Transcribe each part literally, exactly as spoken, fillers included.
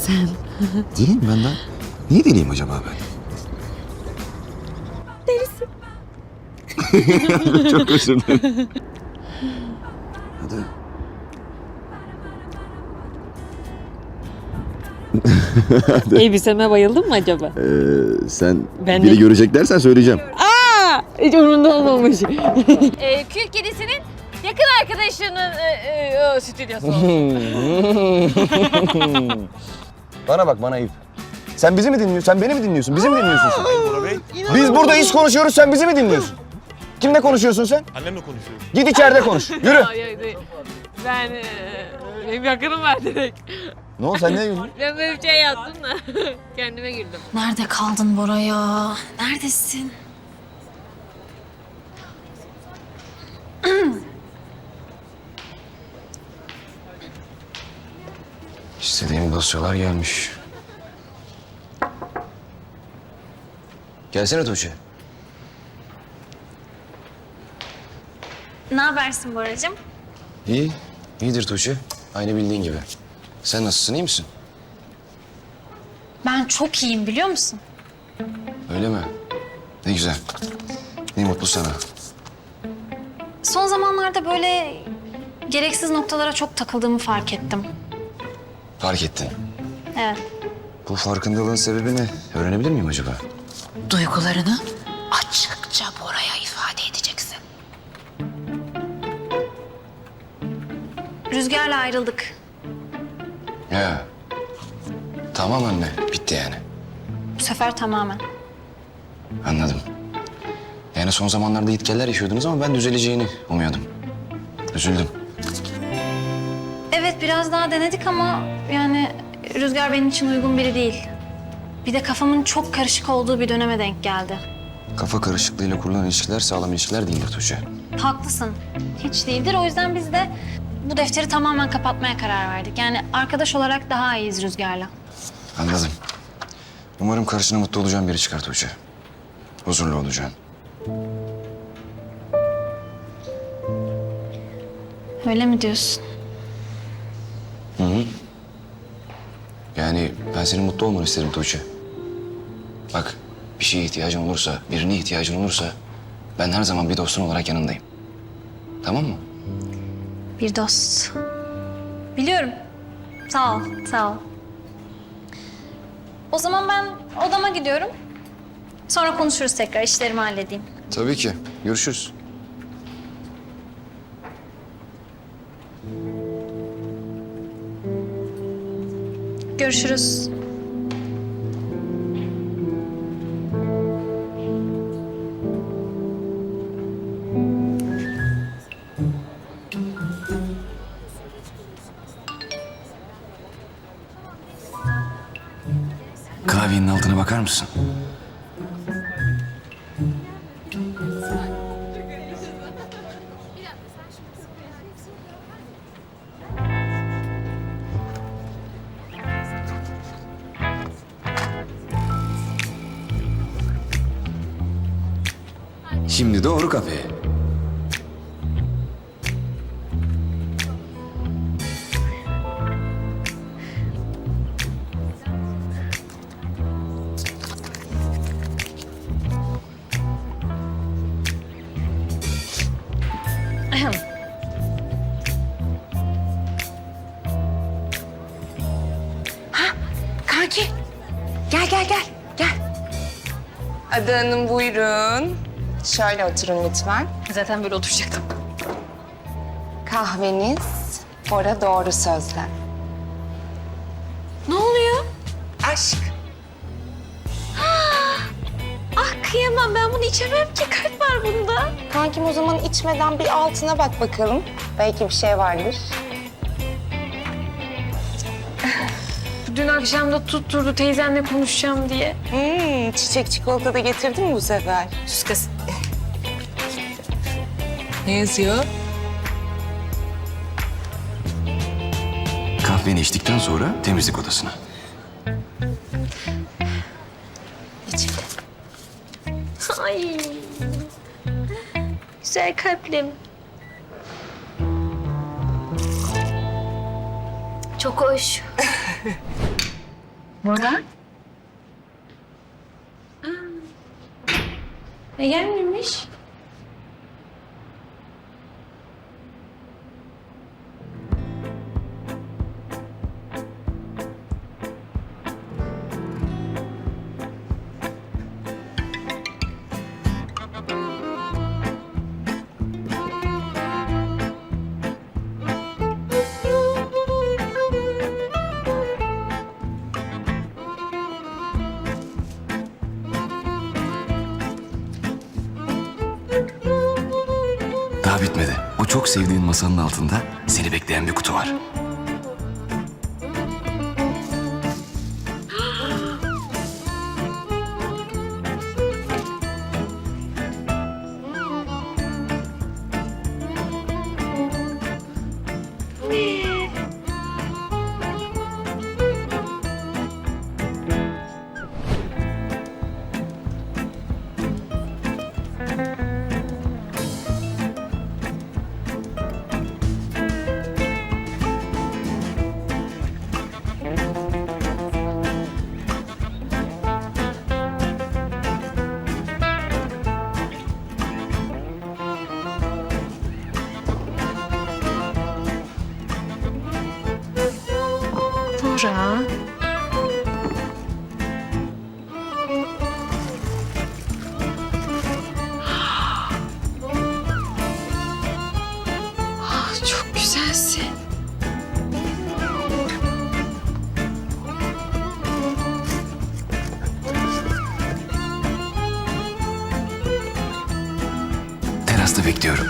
sen? Deliyim ben lan. Niye deliyim acaba ben? Delisin. Çok özür dilerim. Hadi. Elbiseme bayıldın mı acaba? Ee, sen Ben biri de- görecek dersen söyleyeceğim. Aa, hiç umurumda olmamış. Ee, Kül kedisinin yakın arkadaşının e, e, o, stüdyosu oldu. Bana bak, bana ayıp. Sen bizi mi dinliyorsun? Sen beni mi dinliyorsun? Bizi mi dinliyorsun sen? Bora Bey, Biz burada iş konuşuyoruz, sen bizi mi dinliyorsun? Kimle konuşuyorsun sen? annemle konuşuyorum. Git içeride konuş. Yürü. Ay, ay, ay. Ben, e, benim yakınım var direkt. Ne oldu, sen niye güldün? Ben böyle bir şey yaptım da kendime güldüm. Nerede kaldın Bora ya? Neredesin? İstediğim dosyalar gelmiş. Gelsene Tuğçe. Ne habersin Boracığım? İyi, iyidir Tuğçe. Aynı bildiğin gibi. Sen nasılsın, iyi misin? Ben çok iyiyim biliyor musun? Öyle mi? Ne güzel. Ne mutlu sana. Son zamanlarda böyle gereksiz noktalara çok takıldığımı fark ettim. Fark ettin. Evet. Bu farkındalığın sebebi ne? Öğrenebilir miyim acaba? Duygularını açıkça Bora'ya ifade edeceksin. Rüzgar'la ayrıldık. Ya. Tamam anne, bitti yani. Bu sefer tamamen. Anladım. Yani son zamanlarda gitgeller yaşıyordunuz ama ben düzeleceğini umuyordum. Üzüldüm. Evet biraz daha denedik ama yani Rüzgar benim için uygun biri değil. Bir de kafamın çok karışık olduğu bir döneme denk geldi. Kafa karışıklığıyla kurulan ilişkiler sağlam ilişkiler değildir Tuğçe. Haklısın. Hiç değildir. O yüzden biz de bu defteri tamamen kapatmaya karar verdik. Yani arkadaş olarak daha iyiyiz Rüzgar'la. Anladım. Umarım karşına mutlu olacağın biri çıkar Tuğçe. Huzurlu olacaksın. Öyle mi diyorsun? Hı hı. Yani ben senin mutlu olmanı isterim Tuğçe. Bak, bir şeye ihtiyacın olursa, birine ihtiyacın olursa ben her zaman bir dostun olarak yanındayım. Tamam mı? Bir dost. Biliyorum. Sağ ol, sağ ol. O zaman ben odama gidiyorum. Sonra konuşuruz tekrar. İşlerimi halledeyim. Tabii ki. Görüşürüz. Görüşürüz. Klavyenin altına bakar mısın? Şimdi doğru kafeye. Kanki. Gel gel gel. Gel. Ada Hanım buyurun. Şöyle oturun lütfen. Zaten böyle oturacaktım. Kahveniz, Bora doğru sözler. Ne oluyor? Aşk. Ah kıyamam. Ben bunu içemem ki. Kalp var bunda. Kankim o zaman içmeden bir altına bak bakalım. Belki bir şey vardır. Dün akşam da tutturdu teyzenle konuşacağım diye. Hmm, çiçek çikolata da getirdin mi bu sefer? Sus kız. Ne yazıyor? Kahveni içtikten sonra temizlik odasına. İçimde. Ay. Güzel kalplim. Çok hoş. Bora? E gelmemiş. Daha bitmedi. O çok sevdiğin masanın altında seni bekleyen bir kutu var. Bora. Ah, çok güzelsin. Terasta bekliyorum.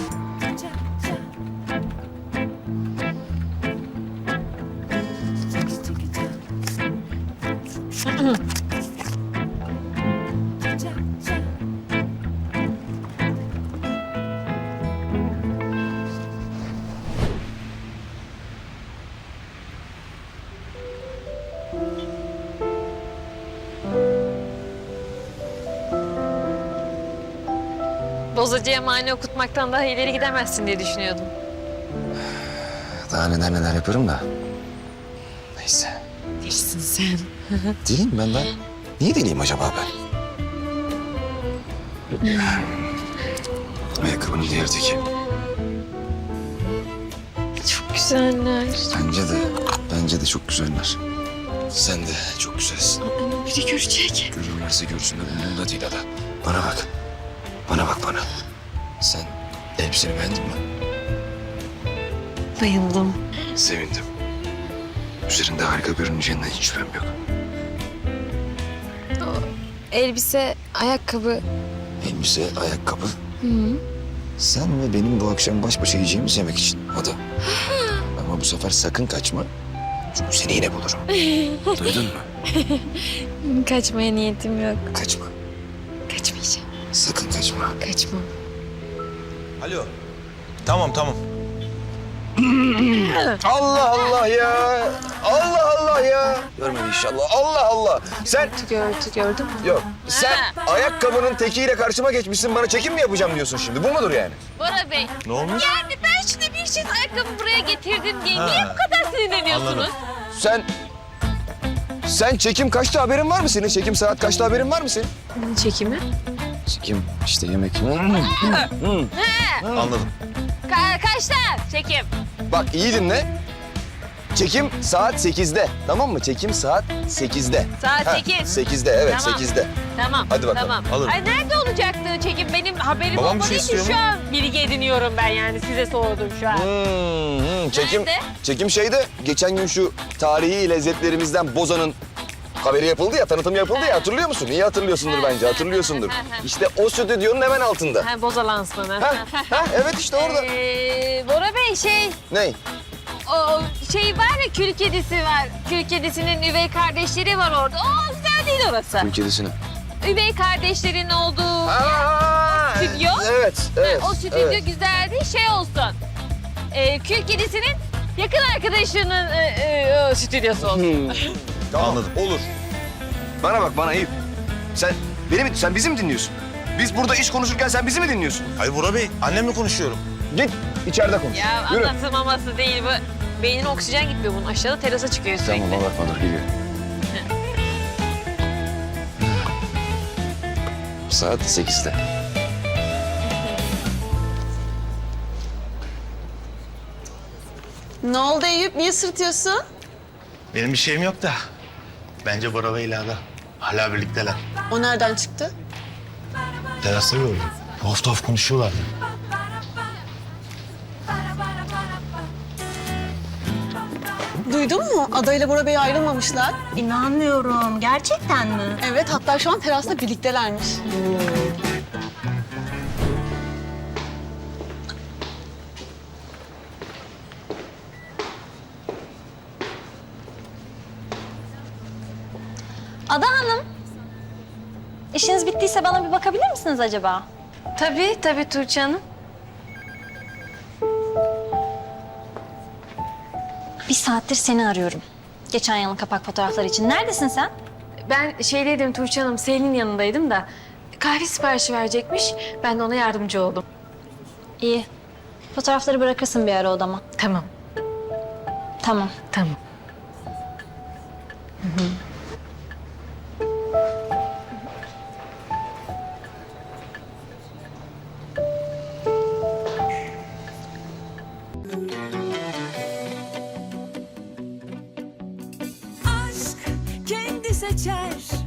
Bozacıya mani okutmaktan daha ileri gidemezsin diye düşünüyordum. Daha neler neler yaparım da. Neyse. Değilsin sen. Değilim ben ben. Niye deliyim acaba ben? Ayakkabının diğer teki. Çok güzeller. Bence de, bence de çok güzeller. Sen de çok güzelsin. Biri görecek. Görürlerse görsünler, umurumda değil Ada. Bana bak. Bana bak bana. Sen elbiseni beğendin mi? Bayıldım. Sevindim. Üzerinde harika görüneceğinden hiç şüphem yok. Elbise, ayakkabı. Elbise, ayakkabı. Sen ve benim bu akşam baş başa yiyeceğimiz yemek için. Ada. Ama bu sefer sakın kaçma. Çünkü seni yine bulurum. Duydun mu? Kaçmaya niyetim yok. Kaçma. Kaçmayacağım. Sakın kaçma. Kaçmam. Alo. Tamam tamam. Allah Allah ya. Allah Allah ya. Görmedi inşallah. Allah Allah. Sen Gördü, gördün mü? yok. Sen ayakkabının tekiyle karşıma geçmişsin. Bana çekim mi yapacağım diyorsun şimdi? Bu mudur yani? Bora Bey. Ne olmuş? Yani ben şimdi bir çift ayakkabı buraya getirdim diye niye bu kadar sinirleniyorsunuz? Anladım. Sen sen çekim kaçta haberin var mı senin? Çekim saat kaçta haberin var mı senin? Çekimi? Çekim işte yemek. Anladım. Ka- kaçta çekim? Bak iyi dinle. Çekim saat sekizde. Tamam mı? Çekim saat sekizde. Saat Ha, sekiz. sekizde evet Tamam. sekizde. Tamam. Hadi bakalım, Tamam. alırım. Ay nerede olacaktı çekim? Benim haberim Babam bir olmadığı şey için istiyor şu mu? an bilgi ediniyorum ben yani. Size sordum şu an. Hmm, hmm, çekim Nerede? çekim şeyde geçen gün şu tarihi lezzetlerimizden Boza'nın haberi yapıldı ya, tanıtım yapıldı ya. Hatırlıyor musun? İyi hatırlıyorsundur bence. Hatırlıyorsundur. İşte o stüdyonun hemen altında. Ha, Boza lansmanı. Ha, ha, evet işte orada. Ee, Bora Bey şey, Ne? o şey var ya kül kedisi var. Kül kedisinin üvey kardeşleri var orada. O güzel değil orası. Kül kedisini. Üvey kardeşlerin olduğu Aa, stüdyo. Evet, evet. o stüdyo evet. güzel değil, şey olsun. Ee, kül kedisinin yakın arkadaşının e, e, o stüdyosu olsun. Tamam, Anladım. olur. Bana bak, bana Eyüp. Sen beni mi, sen bizi mi dinliyorsun? Biz burada iş konuşurken sen bizi mi dinliyorsun? Hayır Bora Bey, annemle konuşuyorum. Git, içeride konuş. Ya Yürü. anlatılmaması değil bu. Beynin oksijen gitmiyor bunun. Aşağıda terasa çıkıyor sürekli. Tamam bakma dur geliyor. saat sekizde. Ne oldu Eyüp? Niye sırtıyorsun? Benim bir şeyim yok da. Bence Bora ve İla'da. Hala birlikteler. O nereden çıktı? Terasta gördüm. Tuhaf tuhaf konuşuyorlardı. Duydun mu? Ada ile Bora Bey ayrılmamışlar. İnanmıyorum. Gerçekten mi? Evet, hatta şu an terasta birliktelermiş. Ada Hanım. İşiniz bittiyse bana bir bakabilir misiniz acaba? Tabii tabii Tuğçe Hanım. Bir saattir seni arıyorum. Geçen yılın kapak fotoğrafları için. Neredesin sen? Ben şeydeydim Tuğçe Hanım, Selin'in yanındaydım da kahve siparişi verecekmiş. Ben de ona yardımcı oldum. İyi. Fotoğrafları bırakırsın bir ara odama. Tamam, Tamam. tamam. aşk kendi seçer